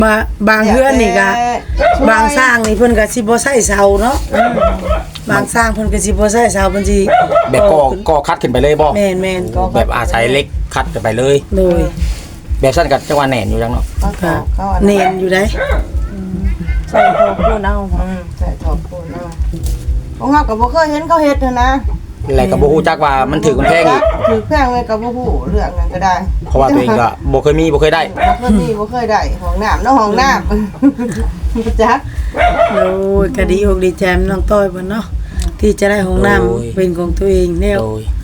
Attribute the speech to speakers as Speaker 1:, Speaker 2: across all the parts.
Speaker 1: บางเฮือนนี่ก็บางสร้างนี่เพิ่นก็สิบ่ใช้เสาเนาะบางสร้างเพิ่นก็สิบ่ใช้เสาเพิ่นสิ
Speaker 2: แบบก็คัดขึ้นไปเลยบ่
Speaker 1: แม่นๆ
Speaker 2: แบบอาศัยเล็กคัดขึ้นไปเลย
Speaker 1: โดย
Speaker 2: แบบซั่นก็จังว่าแหน่นอยู่จังเนาะ
Speaker 1: ก็เน้นอยู่ได้
Speaker 3: ใส่ทอปูนเอาใส่ทอปูนเอาของเฮาก็บ่เคยเห็นเขาเฮ็ดนะ
Speaker 2: แล้วก็บ่ฮู้จักว่ามันถือมันแพงอีก
Speaker 3: ถือแพงเลยก็บ่ฮู้เรื่องนั้นก็ได้
Speaker 2: เพราะว่าตัวเองก็บ่เคยมีบ่เคยได้
Speaker 3: บ่เคยได้ห้องน้ำเนาะห้องน้ำบ่จัก
Speaker 1: โอ้ยก็ดีอกดีใจน้องต้อยเพิ่นเนาะที่จะได้ห้องน้ำเป็นของตัวเองแนว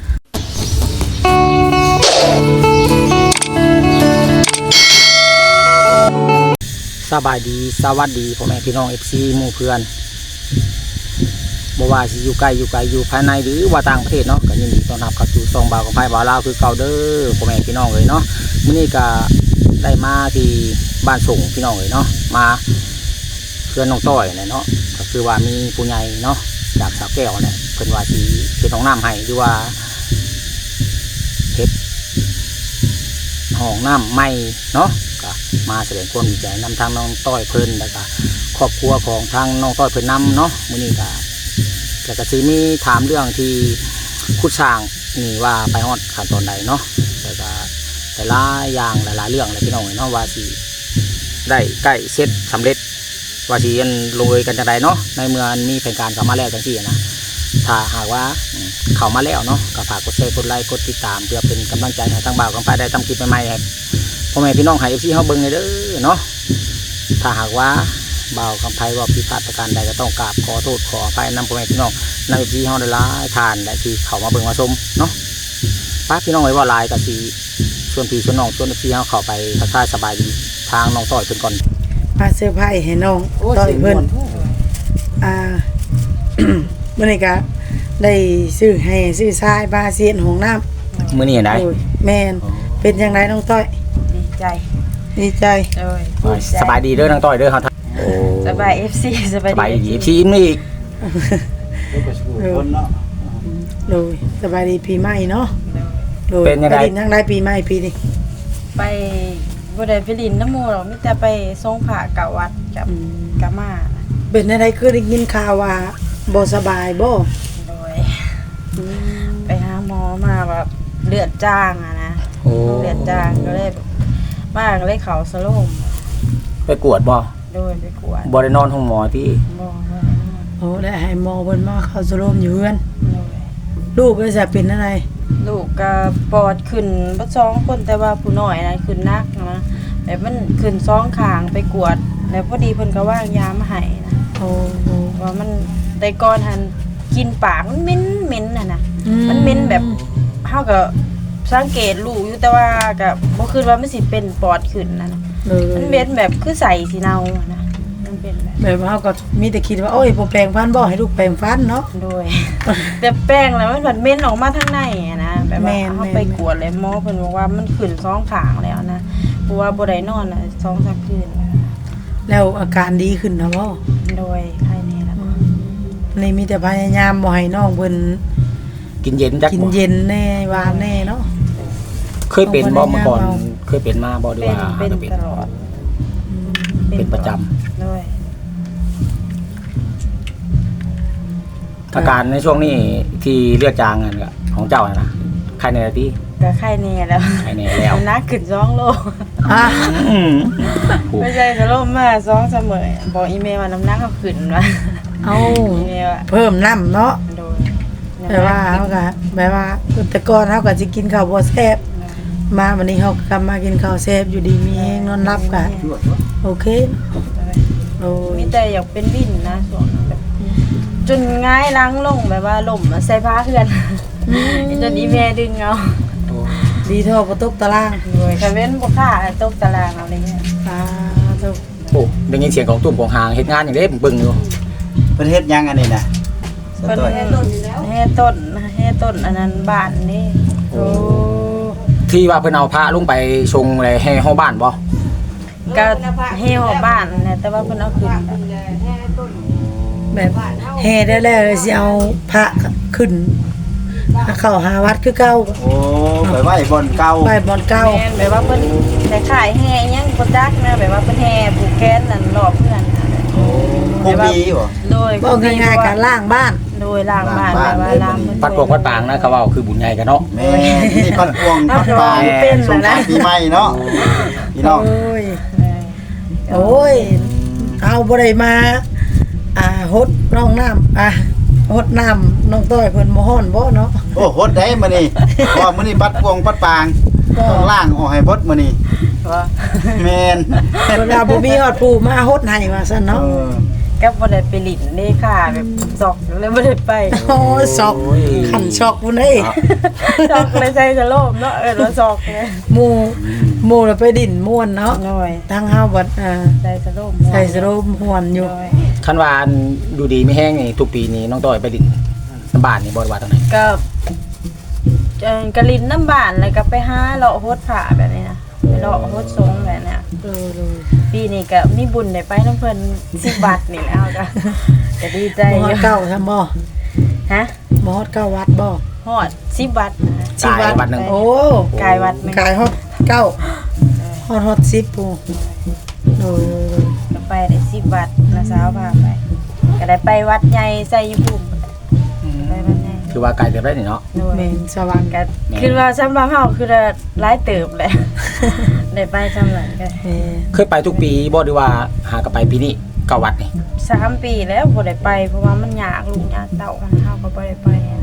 Speaker 2: สบายดีสวัสดีพ่อแม่พี่น้อง FC หมู่เพื่อนบ่ว่าสิอยู่ใกล้อยู่ไกลอยู่ภายในหรือว่าต่างประเทศเนาะก็ยินดีต้อนรับเข้าสู่ช่องบ่าวของไผบ่าวลาวคือเก่าเด้อพ่อแม่พี่น้องเอ้ยเนาะมื้อนี้ก็ได้มาที่บ้านส่งพี่น้องเอ้ยเนาะมาเพื่อนน้องต้อยเนาะก็คือว่ามีผู้ใหญ่เนาะจากสาวแก้วเนี่ยเพิ่นว่าสิเฮ็ดห้องน้ำให้หรือว่าเฮ็ดห้องน้ำใหม่เนาะก็มาแสดงความดีใจนำทางน้องต้อยเพิ่นแล้วก็ครอบครัวของทางน้องต้อยเพิ่นนำเนาะมื้อนี้ก็แล้วก็สิมีถามเรื่องที่คุดสร้างนี่ว่าไปฮอดขั้นตอนใดเนาะแล้วก็แต่ละอย่างหลายๆเรื่องเลยพี่น้องเนาะว่าสิได้ใกล้เสร็จสำเร็จว่าสิลงเอยกันจังไดเนาะในเมื่อมีแผนการเข้ามาแล้วจังซี่นะถ้าหากว่าเข้ามาแล้วเนาะก็ฝากกดแชร์กดไลค์กดติดตามเพื่อเป็นกำลังใจให้ทางบ่าวของไปได้ทำคลิปใหม่ๆให้พ่อแม่พี่น้องให้ FC เฮาเบิ่งเด้อเนาะถ้าหากว่าบ่าวคำไพว่าผิดพลาดประการใดก็ต้องกราบขอโทษขออภัยนำพ่อแม่พี่น้องนำพี่เฮาได้หลายทานได้ที่เข้ามาเบิ่งมาชมเนาะป้าพี่น้องไว้ว่าหลายก็สิชวนพี่ชวนน้องชวนพี่เฮาเข้าไปทักทายสบายดีทางน้องต้อยเพิ่นก่อน
Speaker 1: มาเสื้อผ้าให้น้องต้อยเพิ่นมื้อนี้ก็ได้ซื้อให้ซื้อทรายบาเซียนห้องน้ำ
Speaker 2: มื้อนี้ได้
Speaker 1: แม่นเป็นจังไดน้องต้อยดีใจ
Speaker 2: สบายดีเด้อน้องต้อยเด้อเฮา
Speaker 3: สบาย FC สบาย
Speaker 2: ดี FC นี่อีก
Speaker 1: โดยสบายดีปีใหม่เนาะโดยเป็นยังไงทั้งได้ปีใหม่ปีนี้
Speaker 3: ไปบ่ได้ไปลินน้ำหมู่หรอกมีแต่ไปส่งพระกับวัดกับกะมา
Speaker 1: เป็นอะไรคือได้ยินข่าวว่าบ่สบายบ่
Speaker 3: โดยไปหาหมอมาแบบเลือดจางอะนะเลือดจางก็เลยมาก็เลยเข้าสโลม
Speaker 2: ไปกวดบ่
Speaker 3: โดยไปกวด
Speaker 2: บ่ได้นอนห้องหมอที่
Speaker 3: บ่
Speaker 1: โอ้ได้ให้หมอเพิ่นมาเข้าสโลมอยู่เฮือนลูกก็จะเป็นอะไร
Speaker 3: ลูกก็ปอดขึ้นบ่2คนแต่ว่าผู้น้อยนะขึ้นนักนะแบบมันขึ้น2ข้างไปกวดแล้วพอดีเพิ่นก็วางยามาให้นะ
Speaker 1: โอ้
Speaker 3: ว่ามันแต่ก่อนหันกินปากมันเหม็นน่ะนะมันเหม็นแบบเฮาก็สังเกตลูกอยู่แต่ว่าก็บ่คิดว่ามันสิเป็นปอดขึ้นนะมันเหม็นแบบคือใส่สิเนานะมันเป็น
Speaker 1: แบบเฮาก็มีแต่คิดว่าโอ้ยบ่แปรงฟันบ่ให้ลูกแปรงฟันเนาะ
Speaker 3: โดยแต่แปรงแล้วมันเหม็นออกมาทางในนะแบบว่าเฮาไปกวดเลยหมอเพิ่นบอกว่ามันขึ้น2ข้างแล้วนะเพราะว่าบ่ได้นอนน่ะ 2-3 คืน
Speaker 1: แล้วอาการดีขึ้นนะบ่
Speaker 3: โดยใครแน่ล่ะ
Speaker 1: นี่มีแต่พยายามบ่ให้น้องเพิ่น
Speaker 2: กินเย็นจัก
Speaker 1: กินเย็นแน่หวานแน่เนาะ
Speaker 2: เคยเป็นบ่เมื่อก่อนเคยเป็นมาบ่ด้วยว่า
Speaker 3: เป็นตลอด
Speaker 2: เป็นประจำ
Speaker 3: ด้วย
Speaker 2: อาการในช่วงนี้ที่เลือดจางกันก็ของเจ้านะใครในที่
Speaker 3: ก็ใครแน่แล้ว
Speaker 2: ใครแน่แล้ว
Speaker 3: นักขึ้น2โลไม่ใช่สโลมมา2เสมอบอกอีเมลว่าน้ำหนักเขาขึ้นว่า
Speaker 1: เอาเพิ่มน้ำเนาะแปลว่าเขาก็แปลว่าแต่ก่อนเขาก็จะกินข้าวบ่แซ่บมาวันนี้เขากลับมากินข้าวแซ่บอยู่ดีมีแห้งนอนรับกันโอเค
Speaker 3: โอ้มีแต่อยากเป็นวินนะช่วงแบบจนง่ายล้างลงแบบว่าล่มใส่ผ้าเพื่อนจนอีเมลดึงเอา
Speaker 1: ดีเท่าประตูตาราง
Speaker 3: เลยค่ะเว้นบ่ค่าตกตารางอะไรเงี้ย
Speaker 1: ถูก
Speaker 2: โอ้ได้ยินเสียงของตุ่มของหางเฮ็ดงานอย่างเด้บึ้งอยู่
Speaker 4: เพิ่นเฮ็ดยังอันนี้น่ะ
Speaker 3: เพิ่นเฮ็ดต้นอันนั้นบ้านนี่
Speaker 2: โอ้ที่ว่าเพิ่นเอาพระลงไปชงอะไรให้เฮาบ้านบ่
Speaker 3: ก็ให้เฮาบ้านนะแต่ว่าเพิ่นเอาขึ้น
Speaker 1: แบบแห่ได้แล้วสิเอาพระขึ้นเข้าหาวัดคือเก่า
Speaker 4: โอ้ไปไหว้บอนเก่า
Speaker 1: ไปบ่อนเก่า
Speaker 3: แม่นแบบว่าเพิ่นแต่ขายแห่ยังบ่จักนะแบบว่าเพิ่นแห่ผูกแขนนั่นรอบเพื่อนนะ
Speaker 4: ผู้มีบ่
Speaker 3: โดย
Speaker 1: บ่ง่ายๆการล้างบ้าน
Speaker 3: โดยล้างบ้านแบบว่าล้างมัน
Speaker 2: ปัดปวกปัดปางนะเขาเว้าคือบุญใหญ่กันเนาะ
Speaker 4: แม่นี่ปัดพวงปัดปลา
Speaker 3: เป็น
Speaker 4: สง
Speaker 3: แล้ว
Speaker 4: กรา
Speaker 3: นะ
Speaker 4: นต์ปีใหม่เนาะพี่น้อง
Speaker 1: โอ้ยเอาบ่ได้มาฮดน้องน้ำฮดน้ำน้องต้อยเพิ่นบ่ฮ้อนบ่เนาะ
Speaker 4: โอ้โหดได้มื้อนี้เพราะว่ามื้อนี้ปัดพวงปัดปางต้องล้างออกให้เบิดมื้อนี้
Speaker 3: ว่า
Speaker 4: แม่น
Speaker 1: เวลาบ่มีฮอดผู้มาฮดให้ว่าซั่นเนาะ
Speaker 3: ก็บ่ได้ไปหลินนี่ค่ะแบบซอกเลยบ่ได้ไป
Speaker 1: โอ้ยช็อกขันช็อกพุ่นเด้
Speaker 3: ซอกเลยใส่สโลมเนาะแล้วซอกเลย
Speaker 1: หมู่น่ะไปดินม่วนเนาะ
Speaker 3: น้อย
Speaker 1: ทางเฮาบัด
Speaker 3: ใส่สโลม
Speaker 1: ใส่สโลมม่วนอยู่
Speaker 3: น้อย
Speaker 2: คันว่าอันดูดีไม่แห้งนี่ทุกปีนี้น้องต้อยไปดินน้ำบ้านนี่บ่ได้ว่าตรงไหน
Speaker 3: ก็กะลินน้ำบ้านแล้วก็ไปหาเลาะโฮดผ้าแบบนี้นะไปเลาะโฮดทรงแบบเนี้ย ปีนี้ก็มีบุญได้ไปน้ำเพิ่น10 บาทนี่แล้วก็ดีใจ
Speaker 1: บ่
Speaker 3: อ
Speaker 1: ฮอด
Speaker 3: ยู่
Speaker 1: เก้าทำบ่
Speaker 3: ฮะ
Speaker 1: บ่ฮอดเก้าวัดบ่
Speaker 3: ฮอด10 บาทนะ
Speaker 2: กายวัดหนึง
Speaker 1: โอ้
Speaker 3: กายวัดหนึ่ง
Speaker 1: กายฮอดเก้าฮอด10ปูโอ้ย
Speaker 3: ก็ไปได้10 บาทนะสาวพาไปก็ได้ไปวัดใหญ่ไสยภูมิไปวัดใหญ่
Speaker 2: คือว่าไกลเติบได้นี่เนาะ
Speaker 3: โดย
Speaker 1: แม่นสว่าง
Speaker 3: ก็คือว่าสำหรับเฮาคือหลายเติบแหละได้ไปสำหรับก็
Speaker 1: แม่
Speaker 2: เคยไปทุกปีบ่ดีว่าหากนไปปีนี้เก้าวัดนี่
Speaker 3: 3 ปีแล้วบ่ได้ไปเพราะว่ามันยากลูกยากเต้าของเฮาก็บ่ได้ไปนะ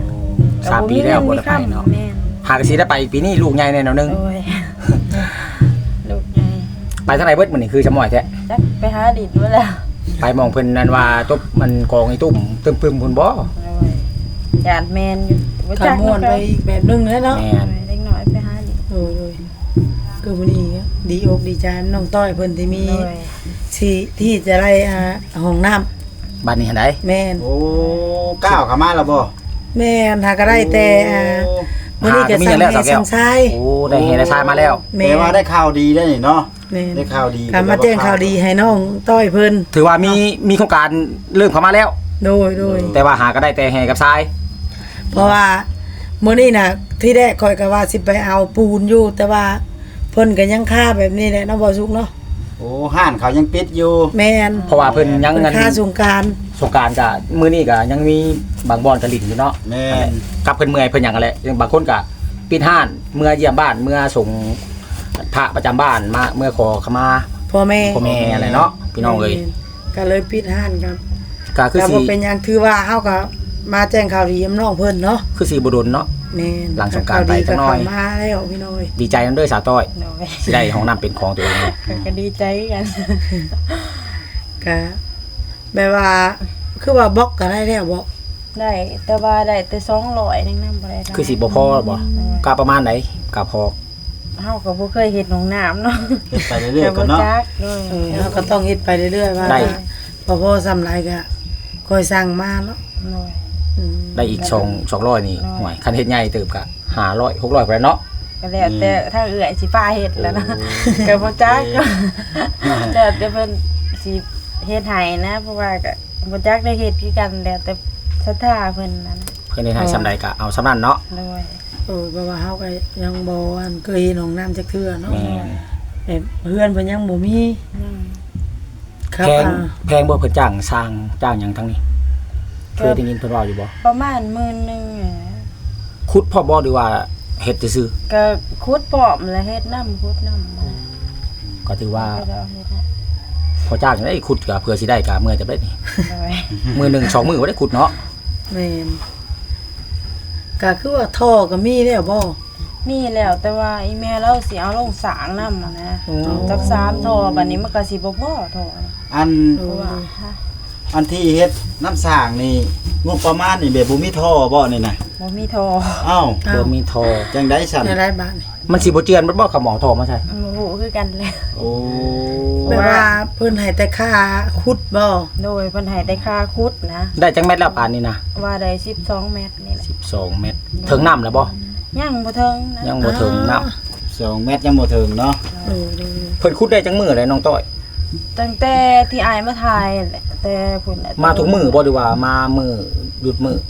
Speaker 2: 3 ปีแล้วบ่ได้ไปเนาะ
Speaker 3: แม่น
Speaker 2: หากสิได้ไปปีนี้ลูกใหญ่แน่นอนนึง
Speaker 3: โอ้ยลูกใหญ่
Speaker 2: ไปทางไหนเบิดมื้อนี้คือจำหน่อยแท้
Speaker 3: จักไปหาดินมาแล้ว
Speaker 2: ไปมองเพิ่นนั่นว่าจบมันกองไอ้ตุ้มตึมปึมพุ่นบ่
Speaker 3: หยาดแมนอยู่บ่
Speaker 1: ขม่วนไปอีกแบบนึงแล้วเนาะ
Speaker 2: แม่น
Speaker 3: เล็กน้อยไปหาดิน
Speaker 1: โอ้ยคือมื้อนี้ดีอกดีใจน้องต้อยเพิ่นที่มี
Speaker 3: โดย
Speaker 1: ที่จะได้ห้องน้ำ
Speaker 2: บ้านนี้หันใด
Speaker 1: แม่น
Speaker 4: โอ้ก้าวเข้ามาแล้วบ่
Speaker 1: แม่นหาก็ได้แต่มื้อนี้ก็สั่งให้สั่งชาย
Speaker 2: โอ้ได้เห็นได้ทรายมาแล้ว
Speaker 1: แม่
Speaker 4: แต่ว่าได้ข่าวดีได้นี่เนาะ
Speaker 1: แม่น
Speaker 4: ได้ข่าวดี
Speaker 1: กมาแจ้งข่าวดีให้น้องต้อยเพิ่น
Speaker 2: ถือว่ามีโครงการเริ่มเข้ามาแล้ว
Speaker 1: โดย
Speaker 2: แต่ว่าหาก็ได้แต่แห่กับทราย
Speaker 1: เพราะว่ามื้อนี้น่ะที่แรกข่อยก็ว่าสิไปเอาปูนอยู่ แต่ว่าเพิ่นก็ยังค่าแบบนี้แหละเนาะบ่สุกเนาะ
Speaker 4: โอ้ห้านเขายังปิดอยู่
Speaker 1: แม่น
Speaker 2: เพราะว่าเพิ่นยัง
Speaker 1: เพิ่
Speaker 2: เงิน
Speaker 1: นค่าสงกรานต์
Speaker 2: สงกรารก็มื้อนี้ก็ยังมีบางบ่อนกะลิ่นอยู่เนาะ
Speaker 4: แม่น
Speaker 2: กับเพิ่นเมื่อยเพิ่นหยังกันแหละบางคนก็ปิดห้านเมื่อเยี่ยมบ้านเมื่อส่งพระประจำบ้านมาเมื่อขอขมา
Speaker 1: พ่อแม่
Speaker 2: พ่อแม่อะไรเนาะพี่น้องเอ้ย
Speaker 1: ก็เลยปิดห้านกัน
Speaker 2: ก็คือ
Speaker 1: ก็
Speaker 2: สิ
Speaker 1: บ่เป็นหยังถือว่าเฮาก็มาแจ้งข่าวดีกับน้องเพิ่นเนาะ
Speaker 2: คือสิบ่โดนเนาะ
Speaker 1: แม่น
Speaker 2: หลังสงกรานต์ไปจั
Speaker 1: ข่าวดีก็
Speaker 2: กหน่อย
Speaker 1: เข้ามาแล้วพี่น้อย
Speaker 2: ดีใจนำเด้อสาวต้อย
Speaker 3: โดย
Speaker 2: สิได้ห้องน้ำเป็นของตัวเองเลย
Speaker 3: ก็ดีใจกัน
Speaker 1: ก็แบบว่าคือว่าบล็อกก็ได้แล้วบ่
Speaker 3: ได้แต่ว่าได้แต่200นึงนำบ่ได้
Speaker 2: คือสิบ่พอบ่ก็ประมาณไหนก็พอ
Speaker 3: เฮาก็บ่เคยเฮ็ดหนองน้ำเนาะ
Speaker 4: เฮ็ดไปเรื่อยๆก่อนเนาะ
Speaker 3: จักโดย
Speaker 1: เฮาก็ต้องเฮ็ดไปเรื่อยๆว่า
Speaker 2: ได้
Speaker 1: พอซ้ำไรก็คอยสั่งมาเนาะ
Speaker 3: โดย
Speaker 1: อืม
Speaker 2: ได้อีก200นี่ห่วยคันเฮ็ดใหญ่เติบก็500 600ไปเนาะ
Speaker 3: ก็แล้วแต่ถ้าเอื้อยสิฟ้าเฮ็ดแล้วนะก็บ่จักแล้วแต่เพิ่นสิเฮ็ดให้นะเพราะว่าก็บ่จักได้เฮ็ดคือกันแล้วแต่ศรัทธาเพิ่นนั่นน่ะ
Speaker 2: เพิ่นเฮ็ดให้ซำใดก็เอาซำนั้นเนาะ
Speaker 3: โดย
Speaker 1: เพราะว่าเฮาก็ยังบ่อันเคยเห็นห้องน้ำจักเทื่อเนาะ
Speaker 2: แม่น
Speaker 1: แบบเพื่อนเพิ่นยังบ่มี
Speaker 3: นั่น
Speaker 1: ครับ
Speaker 2: แพงบ่เพิ่นจ้างสร้างจ้างหยังทั้งนี้เคยได้ยินเพิ่นเว้าอยู่บ่
Speaker 3: ประมาณ10,000นึง
Speaker 2: ขุดพ่อบ่หรือว่าเฮ็ดซื่อ
Speaker 3: ก็คุดปอมแล้วเฮ็ดน้ำคุดน้ำมา
Speaker 2: ๆก็ถือว่า
Speaker 3: ก็จะเอาเฮ็ดนะ
Speaker 2: พอจ้างได้ขุดก็เพื่อสิได้ก็เมื่อยแต่ได้นี่
Speaker 3: โดย
Speaker 2: มื้อหนึง2มื้อบ่ได้ขุดเนาะ
Speaker 1: แม่นก็คือว่าท่อก็มีแล้วบ่
Speaker 3: มีแล้วแต่ว่าอีแม่เราสิเอาลงสางน้ำอะนะจัก3ท่อบัดนี้มันก็สิบ่พอท่อ
Speaker 4: อัน
Speaker 3: เพราะว่าฮะ
Speaker 4: อันที่เฮ็ดน้ำสร้างนี่งบประมาณนี่แบบบ่มีท่อบ่นี่นะ
Speaker 3: บ่มีท่อ
Speaker 4: เอ้า
Speaker 2: บ่มีทอ
Speaker 4: จังได๋สั่น
Speaker 1: ในหลายบ้านนี่
Speaker 2: มันสิบ่เจือนมันบ่เขาหมอทอมาใช่
Speaker 3: บ่ฮู้คือกันเลย
Speaker 4: โอ้
Speaker 1: แบบว่าเพิ่นให้แต่ค่าขุดบ่
Speaker 3: โดยเพิ่นให้แต่ค่าคุดนะ
Speaker 2: ได้จังเม็ดแล้วปานนี้นะ
Speaker 3: ว่าได้12เมตรนี่แหละ
Speaker 2: 12เม็ดถึงน้ำแล้วบ่
Speaker 3: ยังบ่ถึงนะ
Speaker 2: ยังบ่ถึงน้ำ
Speaker 4: 2 เมตรยังบ่ถึงเนาะ
Speaker 1: โอ้โห
Speaker 2: เพิ่นขุดได้จังมื้อเลยน้องต้อย
Speaker 3: ตั้งแต่ที่อายมาถ่ายแหละแต่พุ่นน่ะ
Speaker 2: มาทุกมื้อบ่หรือว่ามามื้อหยุดมื้อ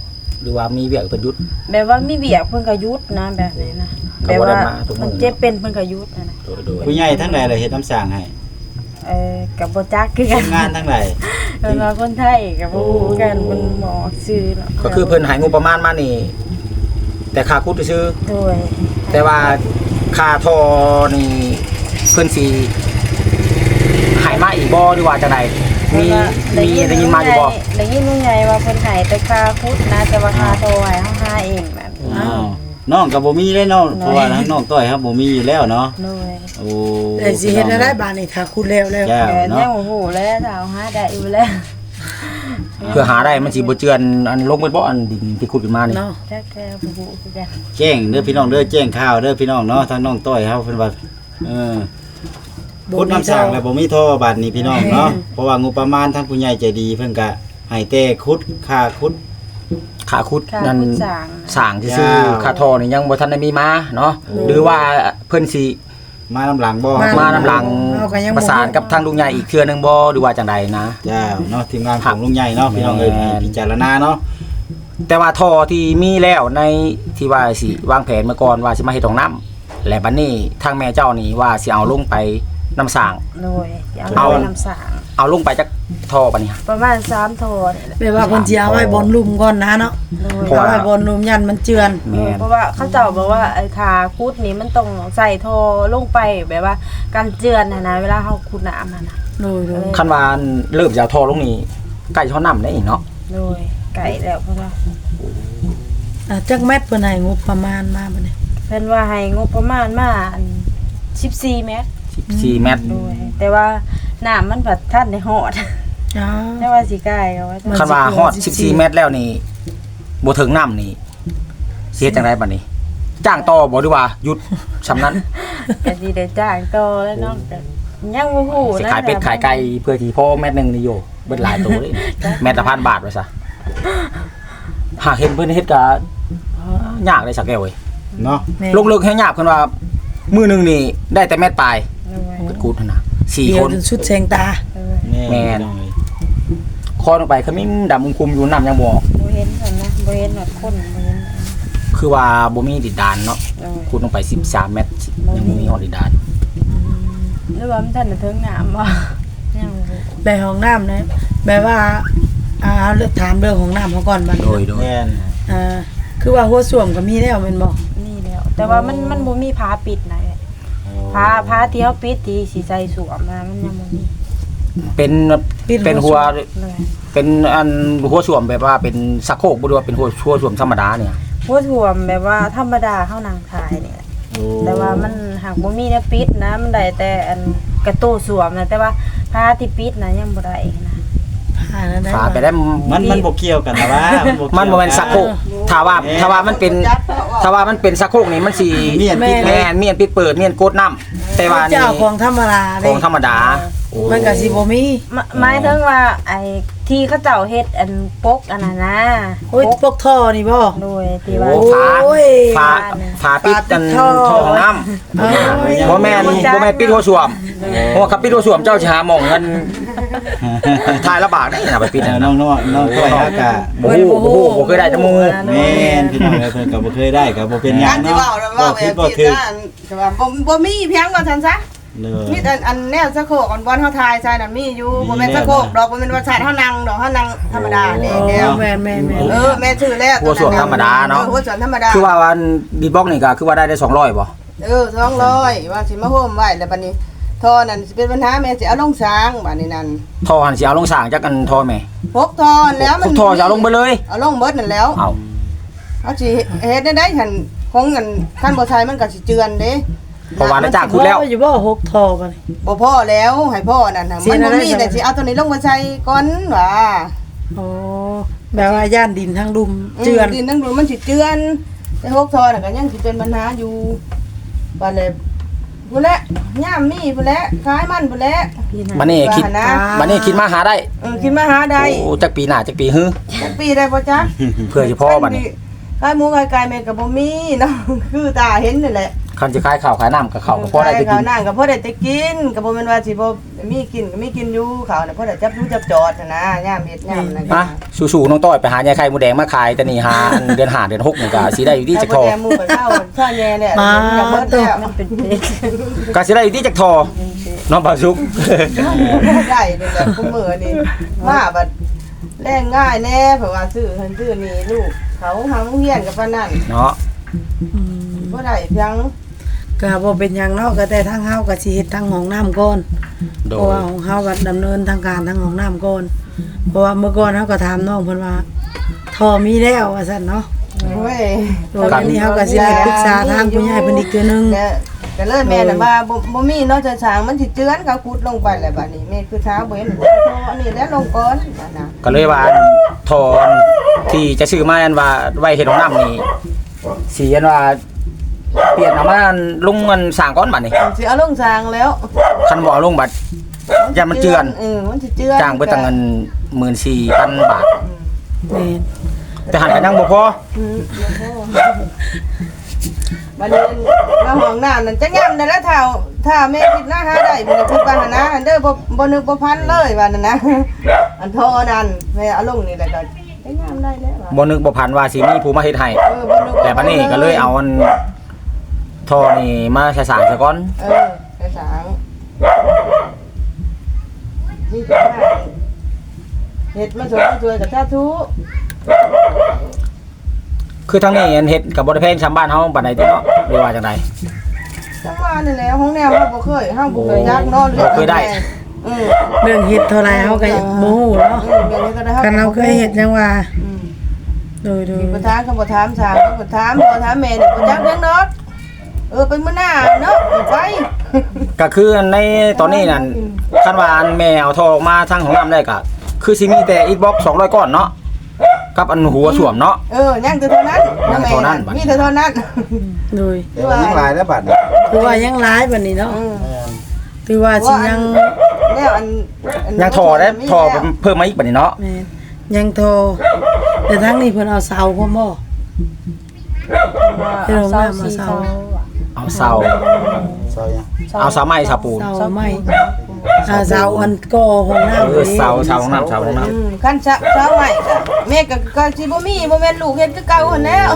Speaker 2: หรือว่ามีเวียกเพิ่นหยุด
Speaker 3: แบบว่ามีเบียกเพิ่นก็หยุดนะแบบนี้นะ
Speaker 2: ก็
Speaker 3: แบบ
Speaker 2: บ่ได้
Speaker 3: ว่า
Speaker 2: มาทุกมื้อ
Speaker 3: มันเจ็บเป็นเพิ่นก็หยุดนะ
Speaker 2: โดย
Speaker 4: ผู้ใหญ่ทั้งหลายเลยเฮ็ดน้ำสร้างให้
Speaker 3: กับบ่จักคือ
Speaker 4: ที
Speaker 3: กัน
Speaker 4: มงานทั้งหลาย
Speaker 3: เพิ่นว่าคนไทยก็บ่ฮู้กันเพิ่นหมอชื่อเนาะ
Speaker 2: ก็คือเพิ่นให้งบประมาณมานี่ แต่ค่าคุดซื่อ
Speaker 3: โดย
Speaker 2: แต่ว่าค่าทอนี่เพิ่นสิให้มาอีกบ่หรือว่าจังไดมีได้ยินมาอยู่บ่
Speaker 3: ได้ยินลุงใหญ่ว่าเพิ่นให้แต่ค่าพุทธนะแต่ว่าค่าโทรให้เฮาหาเองแบบนี้
Speaker 4: อ้าวน้องก็บ่มีเลยเนาะเพราะว่าทางน้องต้อยครับบ่มีอยู่แล้วเนาะ
Speaker 3: โดย
Speaker 4: โอ้
Speaker 1: แต่สิเฮ็ดได้บาดนี้ถ้าคุณแล้ว
Speaker 4: เจ้า
Speaker 3: แต่ยั
Speaker 4: เนาะ
Speaker 3: งโอ้โหแล้วถ้าเอาหาได้อยู่แล้ว
Speaker 2: เพื่อหาได้มันสิบ่เจือนอันลงไปบ่อันดินที่ขุดขึ้นมานี่
Speaker 1: เนาะ
Speaker 3: จักแค่บ่ฮู้คือกัน
Speaker 4: แจ้งเด้อพี่น้องเด้อแจ้งข่าวเด้อพี่น้องเนาะทางน้องต้อยเฮาเพิ่นว่าพุดน้ำสร้างแล้วบ่มีท่อบาดนี้พี่น้องเนาะเพราะว่างบประมาณทางผู้ใหญ่ใจดีเพิ่นก็ให้แต่คุดค่าคุด
Speaker 2: ค่าขุด
Speaker 3: ค่า
Speaker 2: นั่น
Speaker 3: พุทธสร้าง
Speaker 2: สร้างซื่อ
Speaker 4: จ้า
Speaker 2: ๆค่าทอนี่ยังบ่ทันได้มีมาเนาะหรือว่าเพิ่นสิ
Speaker 4: มาน้ำหลังบ่
Speaker 2: มานํหลังประสานกับทางลุงใหญ่อีกเทื่อนึงบ่หรือว่าจังใดนะ
Speaker 4: เจ้าเนาะทีมงานของลุงใหญ่เนาะพี่น้องเอ้ย
Speaker 2: แม่น
Speaker 4: พิจารณาเนาะ
Speaker 2: แต่ว่าท่อที่มีแล้วในที่ว่าสิวางแผนมาก่อนว่าสิมาเฮ็ดห้องน้ำและบัดนี้ทางแม่เจ้านี่ว่าสิเอาลงไปน้ำสร้าง
Speaker 3: โดยเอา
Speaker 2: เอา
Speaker 3: ไปน้ำสร้าง
Speaker 2: เอาลงไปจากท่อบัดนี้
Speaker 3: ประมาณ3โทนี่แหละ
Speaker 1: แปลว่าเพิ่นสิเอาไว้บนลุ่มก่อนนะเนาะ
Speaker 3: โดย
Speaker 2: เพราะ
Speaker 1: เอา
Speaker 2: ว่า
Speaker 1: ไว้บนลุ่มยันมันเจือน
Speaker 2: แม่น
Speaker 3: เพราะว่าเขาเจ้าบอกว่าไอ้ทาคุดนี่มันต้องใส่โทลงไปแบบว่าการเจือนนะเวลาเฮาขุดน้ำนะ
Speaker 1: โดย
Speaker 2: คันว่าเริ่มจะเอาท่อลงนี่ใกล้ท่อน้ำได้เนาะ
Speaker 3: โดยไก่แล้วเพราะว่า
Speaker 1: จักแมตรเพิ่นให้งบประมาณมาบัดนี้
Speaker 3: เพิ่นว่าให้งบประมาณมาอัน14 เมตร
Speaker 2: 14เมตร
Speaker 3: โดยแต่ว่าน้ำมันผัดท่านได้ฮอด
Speaker 1: อ๋อ
Speaker 3: แต่ว่าสิใกล้ก็ว่า
Speaker 2: คันว่าฮอด14เมตรแล้วนี่บ่ถึงน้ำนี่สิเฮ็ดจังไดบัดนี้ จ้างต่อบ่หรือว่าหยุดสำนั้น
Speaker 3: ก็สิได้จ้างต่อแล้วเนาะแต่ยังบ่ฮู้
Speaker 2: สิ
Speaker 3: นะ
Speaker 2: ขายเป็ดขายไก่เพื่อที่พ่อเม็ดหนึงนี่อยู่เบิดหลายตัวเลยเม็ดละ1,000 บาทว่าซะหากเห็นเพิ่นเฮ็ดก็ยากเลยสักแก้วเว้ย
Speaker 4: เนาะ
Speaker 2: ลงเลิกให้ยากเพิ่นว่ามื้อหนึงนี่ได้แต่แม่นปลาย
Speaker 3: โดย
Speaker 2: เพิ่นกูดหั่นน่ะ
Speaker 1: เดี
Speaker 2: 4
Speaker 1: ย
Speaker 2: คว น
Speaker 1: จนสุดแสงตา
Speaker 3: โดย
Speaker 2: แม่น คอลงไปขมิ้นดำคุมอยู่น้ำยังบ่ออก
Speaker 3: บ่เห็นกันนะบ่เห็นหนอดคนบ่เห็น
Speaker 2: คือว่าบ่มีดินดานเนาะ
Speaker 3: โดย
Speaker 2: คูดลงไป13เมตรยังบ่มีฮอดดินดาน
Speaker 3: หรือว่ามันทันได้ถึงน้ำบ่ยังบ่รู้
Speaker 1: ไปห้องน้ำนะแบบว่าเลือกถามเรื่องของน้ำเขาก่อนบัด
Speaker 2: โด
Speaker 1: นี้
Speaker 2: ย
Speaker 4: แม่น
Speaker 1: คือว่าหัวส้วมก็มีแล้วแม่นบ่
Speaker 3: นี่แล้ว แต่ว่ามันบ่มีผ้าปิดนะผ้าที่เฮาปิดที่สิใส่สวมนะมันยังบ่มี
Speaker 2: เป็นหัว
Speaker 3: เลย
Speaker 2: เป็นอันหัวสวมแบบว่าเป็นสักโครกบ่ได้ว่าเป็นหัวสวมธรรมดาเนี่ย
Speaker 3: หัวถ่วมแบบว่าธรรมดาเฮานั่งขายนี่แหละ
Speaker 4: โอ้
Speaker 3: แต่ว่ามันหากบ่มีแนวปิดนะมันได้แต่อันกระโต้สวมนะแต่ว่าผ้าที่ปิดนะยังบ่ได้นะ
Speaker 1: นั่นได้
Speaker 2: ฝาไปได้
Speaker 4: มันบ่เกี่ยวกันนะว่ามัน
Speaker 2: มันบ่แม่นสักโครกถ้าว่ามันเป็นสักโครกนี่มันสิ
Speaker 4: เมียนปิด
Speaker 2: แม่นเมียนปิดเปิดเมียนกดน้ำแต่ว่านี่
Speaker 1: เจ้าของธรรมดา
Speaker 2: ข
Speaker 1: เด้
Speaker 2: องธรรมดาโอ้
Speaker 1: มันก็สิบ่มี
Speaker 3: หมายถึงว่าไอ้ที่เขาเจ้าเฮ็ดอันปกอันนั้นนะ
Speaker 1: โอ้ยพวกท่อนี่บ่
Speaker 3: โดยที่ว่า
Speaker 2: โอ้ฝา
Speaker 1: โอ้ย
Speaker 2: ฝาปิดกัน
Speaker 1: ฝาปิดท่อ
Speaker 2: ท่อของน้ำ
Speaker 1: เอ้ย
Speaker 2: บ่แม่นปิดหัวสวมเพราะว่าคับปิดหัวสวมเจ้าสิหาหม่องเงินทายละบาทได้น่ะไปปิด
Speaker 4: น้
Speaker 2: นั่น
Speaker 4: องน้องต้อยฮะกะ
Speaker 2: บ่ฮู้บ่เคยได้จมูก
Speaker 4: แม่นพี่น้องเอ้ยเพิ่นก็บ่เคยได้ก็บ่เป็นหยั
Speaker 5: กาง รที่
Speaker 4: เนาะ
Speaker 5: ว่า
Speaker 4: บ่
Speaker 5: ว่า
Speaker 4: ผิดบ่ถูก
Speaker 5: แบบนั้นแต่ว่าบ่มีเพียงว่าซั่นซะ
Speaker 4: เลย
Speaker 5: มีแต่อันแนวสะโคกอันบอลเฮาทายใส่นั่นมีอยู่
Speaker 4: มี
Speaker 5: บ่แม่นสะโคกดอกบ่แม่นว่าใส่เฮานั่งดอกเฮานั่งธรรมดานี่แก้ว
Speaker 1: แม่น
Speaker 5: แม่ชื่อแล้ว
Speaker 2: หัวสวมธรรมดาเนาะ
Speaker 5: หัวสวนธรรมดา
Speaker 2: คือว่าวันบีทบ็อกนี่ก็คือว่าได้200บ่
Speaker 5: 200ว่าสิมาโฮมไว้แล้วบัดนี้ท่อนั่นสิเป็นปัญหาแม่สิเอาลงสร้างบัดนี้นั่น
Speaker 2: ทอหันสิเอาลงสร้างจักกันทอแม่
Speaker 5: พกท่อแล้วมัน
Speaker 2: ทอจะเอาลงไปเลย
Speaker 5: เอาลงเบิดนั่นแล้ว
Speaker 2: เอา
Speaker 5: เอาสิเฮ็ดได้หั่นคงกันคันบ่ใช้มันก็สิเจือนเด้
Speaker 2: เพราะว่าได้จ้างคุณแล้ว
Speaker 1: อยู่บ่หกท่อบัดนี้
Speaker 5: บ่พ่อแล้วให้พ่อนั่นน่ะ
Speaker 1: เสี
Speaker 5: มั
Speaker 1: ย
Speaker 5: นบ่
Speaker 1: อะไร
Speaker 5: มี
Speaker 1: จัง
Speaker 5: แต่สิเอาตัวนี้ลงมาใช้ก่อนว่า
Speaker 1: โอ้แบบว่าย่านดินทั้งดุมเจือน
Speaker 5: ดินทั้งดูมันสิเจือนแต่หกทอน่ะก็ยังสิเป็นปัญหาอยู่ว่าเลยพุ่นแหละย่ามมีพุ่นแหละขายมันพุ่นแหละ
Speaker 2: บัดนี้คิด
Speaker 5: ว่านะ
Speaker 2: บัดนี้คิดมาหาได้
Speaker 5: คิดมาหาได้
Speaker 2: โอ้จักปีหน้าจักปีฮื้อ
Speaker 5: จักปีได้บ่จ๊ะ
Speaker 2: เพื่อสิพ่อบัดนี้
Speaker 5: ขายหมูขายไก่แม่ก็บ่มีเนาะคือตาเห็นนี่แหละ
Speaker 2: คันสิขายข้าวขายน้ำกับข้าวก็พอได้ไปกิ
Speaker 5: ข้าวน น้ำก็พอได้แต่กินก็บ่แม่นว่าสิบ่มีกินก็มีกินอยู่ข้าวน่ะพอได้จับรู้จับจอดน่ะนะยามเฮ็ดยามนั่นก็
Speaker 2: มาสู้ๆน้องต้อยไปหายายไข่หมูแดงมาขายแต่นี่หาเดือน5เดือน6นี่ก็สิได้อยู่ที่จักทอ
Speaker 5: แต่หมู่ก็เช้าช้าแย่เนี่ย
Speaker 1: มา
Speaker 5: อยากเบิดแล้ว
Speaker 3: มันเป็นเพชร
Speaker 2: ก็สิได้อยู่ที่จักทอน้องบ่าวสุก
Speaker 5: ได้เด้อแบบผู้มื้อนี่มาบัดแรงง่ายแน่เพราะว่าซื้อเพิ่นซื้อนี่ลูกเขาหาโรงเรียนกับปานนั้น
Speaker 2: เนาะ
Speaker 1: อืม
Speaker 5: บ่ได้เพียง
Speaker 1: ก็บ่เป็นหยังเนาะก็แต่ทางเฮาก็สิเฮ็ดทางห้องน้ำก่อน
Speaker 2: โด
Speaker 1: เพราะ
Speaker 2: ย
Speaker 1: ว่าของเฮาก็ดำเนินทางการทางห้องน้ำก่อนเพราะว่าเมื่อก่อนเฮาก็ถามน้องเพิ่นว่าท่อมีแล้วว่าซั่นเนาะ
Speaker 5: โอ้ย
Speaker 1: โดยวันนี้เฮาก็สิได้ปรึกษาทางผู้ใหญ่เพิ่นอีกเทื่อนึง
Speaker 5: แต่เลยแม่น่ะว่าบ่มีเนาะจะช้างมันสิเจือนเขาขุดลงไปแล้วบัดนี้แม่คือเช้าบ่เห็นอันนี้แล้วลงก่อนบัดน่ะ
Speaker 2: ก็เลยว่าทอนที่จะซื้อมาอันว่าไว้เฮ็ดของน้ำนี่สิอันว่าเปลี่ยนเอามาลงเงินสร้างก้อนบัดนี่
Speaker 5: สิเอาลงช้างแล้ว
Speaker 2: คันบ่เอาลงบัดอย่ามันเจือน
Speaker 5: มันสิเจือน
Speaker 2: จ้างไปตั้งเงิน 14,000 บาท
Speaker 1: แม่น
Speaker 2: แต่หันกันยังบ่พอ
Speaker 5: บัดนี้มาห้องน้ำนั่นจักยามนั่นแล้วถ้าแม่คิดหน้าหาได้บ่ได้คิดว่าหั่นนะอันเด้อบ่นึกบ่พันเลยว่านั่นนะอันโทนั่นแม่เอาลงนี่แล้วก็จักยามได้แล้วว่ะ
Speaker 2: บ่นึกบ่พันว่าสิมีผู้มาเฮ็ดให้
Speaker 5: บ่นึก
Speaker 2: แต่บัดนี้ก็เลยเอาอันทอนี่มาใช้สร้างซะก่อน
Speaker 5: ไปสางนี่ก็ได้เฮ็ดมาสวยกับสาธุ
Speaker 2: คือทั้งนี้อันเฮ็ดก็บ่ได้แพงชาวบ้านเฮาปานใดติเนาะหรือว่าจังได
Speaker 5: จังว่านี่แหละห้องแนวเฮาบ่เคยยักนอน
Speaker 2: บ่เคยได้
Speaker 1: เรื่องเฮ็ดเท่าไรเฮาก็บ่ฮู้เนาะ
Speaker 5: เดี๋ยวนี้ก็ได้
Speaker 1: คันเราเคยเฮ็ดจังว่าโดย
Speaker 5: บ่ถามก็บ่ถามช้างบ่ถามแม่นี่บ่จักเรื่องเนาะไปมื้อหน้าเนาะไป
Speaker 2: ก็คือในตอนนี้นั่นคันว่าอันแม่เอาทอออกมาทางของน้ำได้ก็คือสิมีแต่อิฐบล็อก200ก้อนเนาะกับอันหัวสวมเนาะ
Speaker 5: ยังแต่เท่านั้น
Speaker 2: ยังเท่านั้นบัด
Speaker 5: มีแต่เท่านั้น
Speaker 1: โดย
Speaker 4: เดี๋ยวยังหลายแล้วบัดนี้
Speaker 1: คือว่ายังหลายบัดนี้เนาะคือว่าสิยัง
Speaker 5: แนวอัน
Speaker 2: ยังทอได้ทอเพิ่มมาอีกบัดนี้เนาะ
Speaker 1: แม่นยังโทรแต่ทั้งนี้เพิ่นเอาเสาพร้อมบ่ เดี๋ยวลงน้ำมาเศร้า
Speaker 2: เอาเสา
Speaker 4: ซอยยัง
Speaker 2: เอาเสาไม้เสาปูน
Speaker 1: เสาไม้เสาอันก่อห้องน้ำ
Speaker 2: เสาของน้ำเสาของน้ำ
Speaker 5: คันเช้าใหม่ก็แม่ก็สิบ่มีบ่แม่นลูกเฮ็ดคือเก่าหั่นแล้ว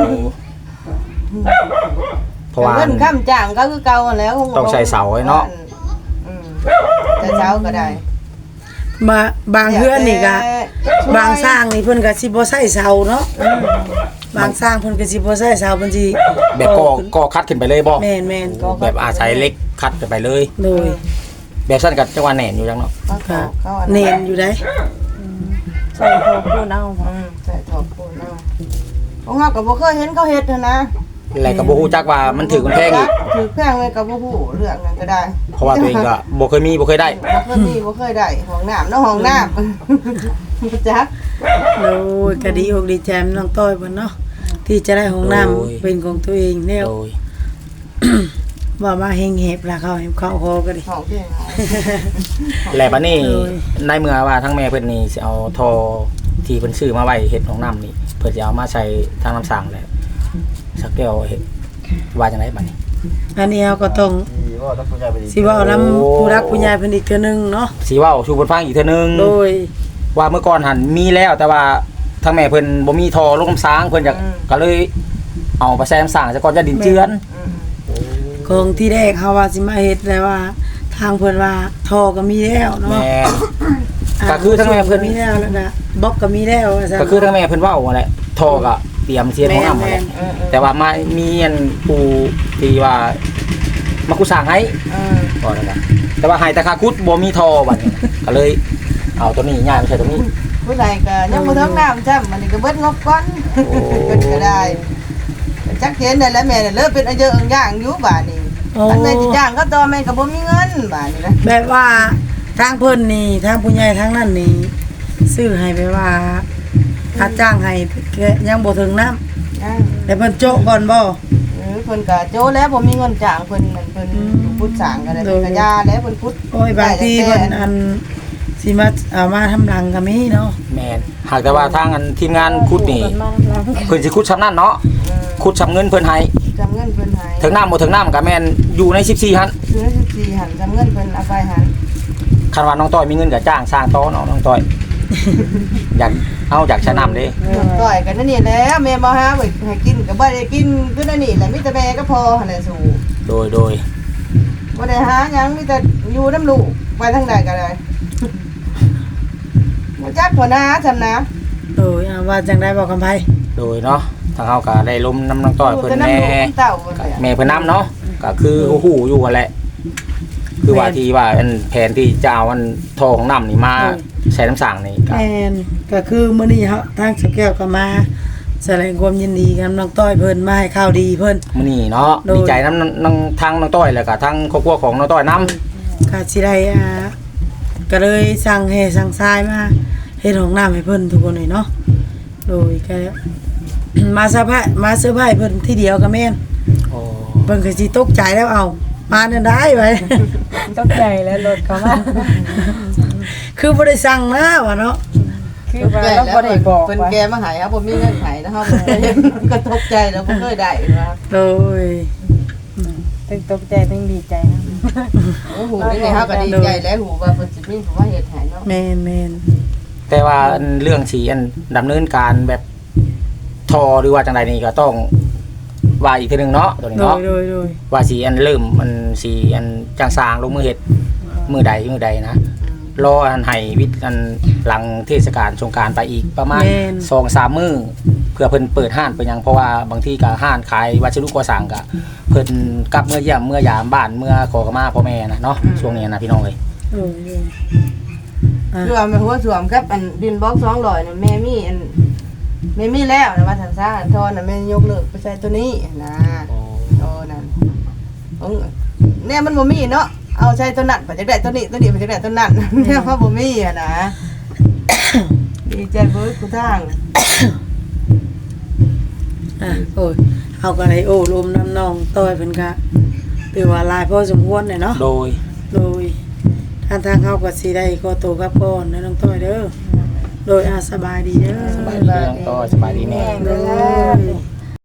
Speaker 2: เพราะว่า
Speaker 5: เงินค้ำจ้างก็คือเก่าหั่นแล้ว
Speaker 2: ต้องใช้เสาไว้เนาะ
Speaker 5: แต่เช้าก็ได้
Speaker 1: บางเฮือนนี่ก็บางสร้างนี่เพิ่นก็สิบ่ใช้เสาเนาะบางสร้างเพิ่นก็สิบ่ใช้เสาเพิ่นสิ
Speaker 2: แบบก็คัดขึ้นไปเลยบ่
Speaker 1: แม่น
Speaker 2: แบบอาศัยเหล็กคัดขึ้นไปเลย
Speaker 1: ๆโดย
Speaker 2: แบบสั้นกับจังหวะแหน่นอยู่จังเนาะ
Speaker 1: ก็เน้นอยู่ได้
Speaker 3: ใส่โทพูดเอา
Speaker 5: ใส่ถอดปูนเอาของเฮาก็บ่เคยเห็นเขาเฮ็ดนะ
Speaker 2: แล้วก็บ่ฮู้จักว่ามันถือมันแพงอีก
Speaker 5: ถือแพงเลยก็บ่ฮู้เรื่องนั้นก็ได้
Speaker 2: เพราะว่าตัวเองก็บ่เคยมีบ่เคยได้
Speaker 5: บ่เคยได้ห้องน้ำเนาะห้องน้ำจัก
Speaker 1: โอ้ยก็ดีอกดีใจน้องต้อยเพิ่นเนาะที่จะได้ห้องน้ำเป็นของตัวเองแล้ว
Speaker 2: โดย
Speaker 1: ว่ามาเฮงเห็บล่ะเขาให้เขาคอก็ดิ
Speaker 5: ห้องเพียง
Speaker 2: แล้วบัดนี้
Speaker 1: โดย
Speaker 2: ในเมื่อว่าทั้งแม่เพิ่นนี่สิเอาทอที่เพิ่นซื้อมาไว้เฮ็ดของน้ำนี่เพิ่นสิเอามาใช้ทางน้ำสร้างแล้วสักเดียวเฮ็ดว่าจังไดบัดนี้
Speaker 1: อันนี้เราก็ต้อง
Speaker 4: ที่ว่าต้องผู้ใหญ่ไปดี
Speaker 1: สิเว้านำผู้รักผู้ใหญ่เพิ่นอีกเทื่อนึงเนาะ
Speaker 2: สิเว้าสู่เพิ่นฟังอีกเทื่อนึง
Speaker 1: โดย
Speaker 2: ว่าเมื่อก่อนหันมีแล้วแต่ว่าทางแม่เพิ่นบ่มีทอลงน้ำสร้างเพิ่นอยากก็เลยเอาไปใส่น้ำสร้างซะก่อนจะดินเจือน
Speaker 1: ของที่แรกเฮาว่าสิมาเฮ็ดแล้วว่า ทางเพิ่นว่าท่อก็มีแล้วเนาะ
Speaker 2: แม่น ก็คือทั้งแม่เพิ่น
Speaker 1: มีแล้วแล้วก็บล็อกก็มีแล้วว่าซั่น
Speaker 2: ก็คือทางแม่เพิ่นเว้าว่าแหละทอก็เตรียมเสียของน้ำมาแหละแต่ว่ามามีอันผู้ที่ว่ามาคุสร้างให้ก็แล้วกันแต่ว่าให้แต่ค่าคุดบ่มีทอบัดนี้ก็เลยเอาตัวนี้ย้ายมาใช้ตัวนี้
Speaker 5: ผู้ใดก็ยังบ่ถึงน้ำจ้ำมันนี่ก็เบิดงบก่อนก็ได้จักเห็นได้แล้วแม่เลิกเป็นอายุอย่างอยู่บาดนี้
Speaker 1: โอ้
Speaker 5: อันแม่สิจ้างก็ต่อแม่ก็บ่มีเงินบาดนี้นะ
Speaker 1: แบบว่าทางเพิ่นนี่ทางผู้ใหญ่ทางนั้นนี่ซื้อให้ไปว่าถ้าจ้างให้ยังบ่ถึงน้ำแต่เพิ่นโจะก่อนบ่
Speaker 5: เพิ่นก็โจแล้วบ่มีเงินจ้างเพิ่นนั่นเพิ่นพุทธสร้างก็ได้เพิ่นก็ยาแล้วเพิ่นพุทธ
Speaker 1: โอ้ยบางทีเพิ่นอันสิมาเอามาทำหลังก็มีเนาะ
Speaker 2: แม่นหากแต่ว่าทางอันทีมงานคุดนี่
Speaker 3: มาแล้ว
Speaker 2: เพิ่นสิคุดชำนั่นเนาะคุดชำเงินเพิ่นให้
Speaker 5: จำเงินเพิ่นให้
Speaker 2: ถึงน้ำบ่ถึงน้ำก็แม่นอยู่ใน14หั่น
Speaker 5: ซื้อ14หันจำเงินเพิ่นเอาไปหัน
Speaker 2: คันว่าน้องต้อยมีเงินก็จ้างสร้างต่อเนาะน้องต้อย อยากใช้น้ำเด้
Speaker 5: ต่อยกันนั่นนี่แหล้วแม่บ่หาไว้ให้กินก็บ่ได้กินคือนั่นนี่แหละมีแต่แม่ก็พอหั่นแหละสู่
Speaker 2: โดย
Speaker 5: บ่ได้หาหยังมีแต่อยู่น้ำลูกไปทางใดก็ได้บ่จักหัวหน้าจำนะ
Speaker 1: โดยว่าจังได้บอกคำไผ
Speaker 2: โดยเนาะทางเฮาก็ได้ล้มน้ำน้องต้อยเพิ่น
Speaker 5: แต่
Speaker 2: แน่
Speaker 5: น้ำลูกเต่าเพิ่น
Speaker 2: ก็แม่เพิ่นน้ำเนาะก็คือฮู้อยู่หั่นแหละคือว่าที่ว่าอันแผนที่จะเอาอันทองน้ำนี่มาใช้น้ำสั่งนี่ก็
Speaker 1: แม่นก็คือมื้อนี้เฮาทางสแก้วก็มาแสดงความยินดีกับน้องต้อยเพิ่นมาให้ข่าวดีเพิ่น
Speaker 2: มื้อนี้เนาะ
Speaker 1: โดย
Speaker 2: ดีใจน้ำทางน้องต้อยแล้วก็ทางครอบครัวของน้องต้อยน้ำ
Speaker 1: ก็สิได้ก็เลยสั่งให้สั่งทรายมาเฮ็ดห้องน้ำให้เพิ่นทุกคนเลยเนาะโดยก็ มาเซอร์ไพรส์เพิ่นทีเดียวก็แม่น
Speaker 2: โอ้
Speaker 1: เพิ่นก็สิตกใจแล้วเอามานั่นได้ไว้
Speaker 3: ตกใจแล้วรถเขามา
Speaker 1: คือบ่ได้สั่งนะว่าเนาะ
Speaker 3: คือว่าเราบ่ได้บอก
Speaker 5: เพิ่น
Speaker 3: ว่า
Speaker 5: แกมาให้ครับบ่มีเงินให้นะครับก็ตกใจแล้วบ่เคยได้ว่า
Speaker 1: โดย
Speaker 3: ทั้งตกใจทั้งดีใจนะ
Speaker 5: โอ้โหนี่เฮาก็ดีใจแล้วหูว่าเพิ่นสิมีผู้ว่าเฮ็ดให้เนาะ
Speaker 1: แม่น
Speaker 2: แต่ว่าอันเรื่องสีอันดำเนินการแบบทอหรือว่าจังใดนี่ก็ต้องว่าอีกทีหนึงเนาะตัวนี้
Speaker 1: โด
Speaker 2: เนาะ
Speaker 1: ยโดยโดย
Speaker 2: ว่าสีอันเริ่มมันสีอันจังสร้างลงมือเฮ็ดมือใดนะรออันให้วิทย์อันหลังเทศกาลสงกรานต์ไปอีกประมาณ 2-3 มื้อเพื่อเพิ่นเปิดห้านไปยังเพราะว่าบางทีก็ห้านขายวัสดุก่อสร้างก็เพิ่นกลับเมื่อเยี่ยมเมื่อยามบ้านเมื่อขอขมาพ่อแม่นะเนาะช่วงนี้นะพี่น้องเอ้ย
Speaker 1: โดยโดย
Speaker 5: คือว่าแม่หัวสวมกับอันดินบล็อก200น่ะแม่มีอันแม่มีแล้วนะว่าซั่นซะอันทอนน่ะแม่ยกเลิกไปใส่ตัวนี้นะโอ้นั่นเนี่ยมันบ่มีเนาะเอาใช้ตัวนั้นไปจักได้ตัวนี้ไปจักได้ตัวนั้นเนี่ยว่าบ่มีอ่ะนะดีใจเบิดกูทาง
Speaker 1: โอ้ยเฮาก็ได้โอ้ลมน้ำน้องต้อยเพิ่นก็ถือว่าหลายพอสมควรเลยเนาะ
Speaker 2: โดย
Speaker 1: โดยทางเฮาก็สิได้ขอตัวกลับก่อนนะน้องต้อยเด้อโดยสบายดีเด้อ
Speaker 2: สบายดีน้องต้อยสบายดีแม่
Speaker 1: โดย